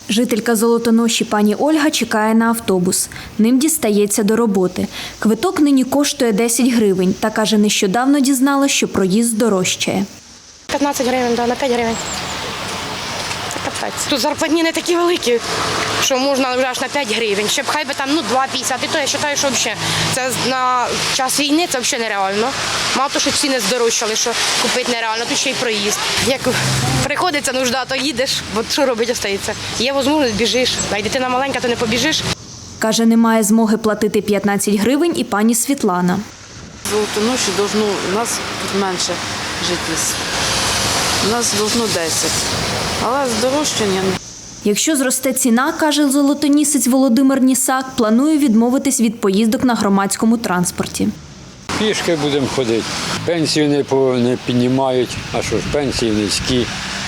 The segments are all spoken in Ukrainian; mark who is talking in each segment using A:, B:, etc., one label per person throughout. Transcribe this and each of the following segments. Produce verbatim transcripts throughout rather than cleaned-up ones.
A: Жителька Золотоноші пані Ольга чекає на автобус. Ним дістається до роботи. Квиток нині коштує десять гривень та каже, нещодавно дізналась, що проїзд дорожчає.
B: п'ятнадцять гривень, да, на п'ять гривень. Це капець. Тут зарплатні не такі великі, що можна вже аж на п'ять гривень. Щоб хай би там ну, два п'ятдесят. І то я вважаю, що взагалі це на час війни це взагалі нереально. Мало того, що ціни здорожчали, що купити нереально, тут ще й проїзд. Як приходиться нужда, то їдеш, бо що робити остається. Є можливість, біжиш. А й дитина маленька, то не побіжиш.
A: Каже, немає змоги платити п'ятнадцять гривень і пані Світлана.
C: Золотоноші должно, у нас тут менше жителів. У нас должно десять. Але здорожчання.
A: Якщо зросте ціна, каже золотонісець Володимир Нісак, планує відмовитись від поїздок на громадському транспорті.
D: Пішки будемо ходити. Пенсію не, по, не піднімають, а що ж, пенсії низькі.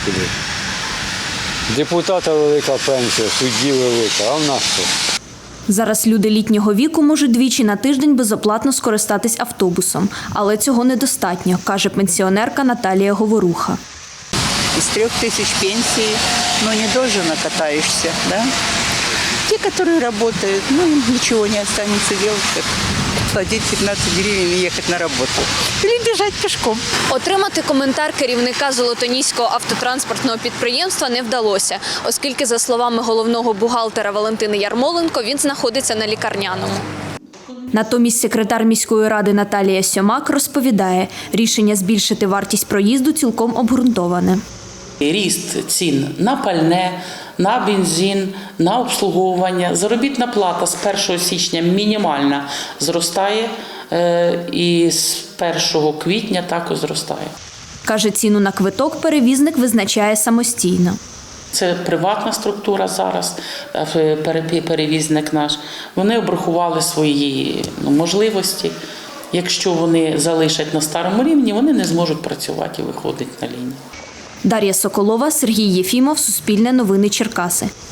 D: Депутата велика пенсія, судді велика, а в нас що?
A: Зараз люди літнього віку можуть двічі на тиждень безоплатно скористатись автобусом. Але цього недостатньо, каже пенсіонерка Наталія Говоруха.
E: Из трех тысяч пенсий, ну, недолжно катаешься, да? Те, которые работают, ну, им ничего не останется делать, как платить пятнадцать гривен и ехать на работу. Или бежать пешком.
A: Отримати коментар керівника Золотоніського автотранспортного підприємства не вдалося, оскільки, за словами головного бухгалтера Валентини Ярмоленко, він знаходиться на лікарняному. Натомість секретар міської ради Наталія Сьомак розповідає, рішення збільшити вартість проїзду цілком обґрунтоване.
F: Ріст цін на пальне, на бензин, на обслуговування. Заробітна плата з першого січня мінімальна зростає і з першого квітня також зростає.
A: Каже, ціну на квиток перевізник визначає самостійно.
F: Це приватна структура зараз, перевізник наш. Вони обрахували свої ну, можливості. Якщо вони залишать на старому рівні, вони не зможуть працювати і виходити на лінію.
A: Дар'я Соколова, Сергій Єфімов, Суспільне новини Черкаси.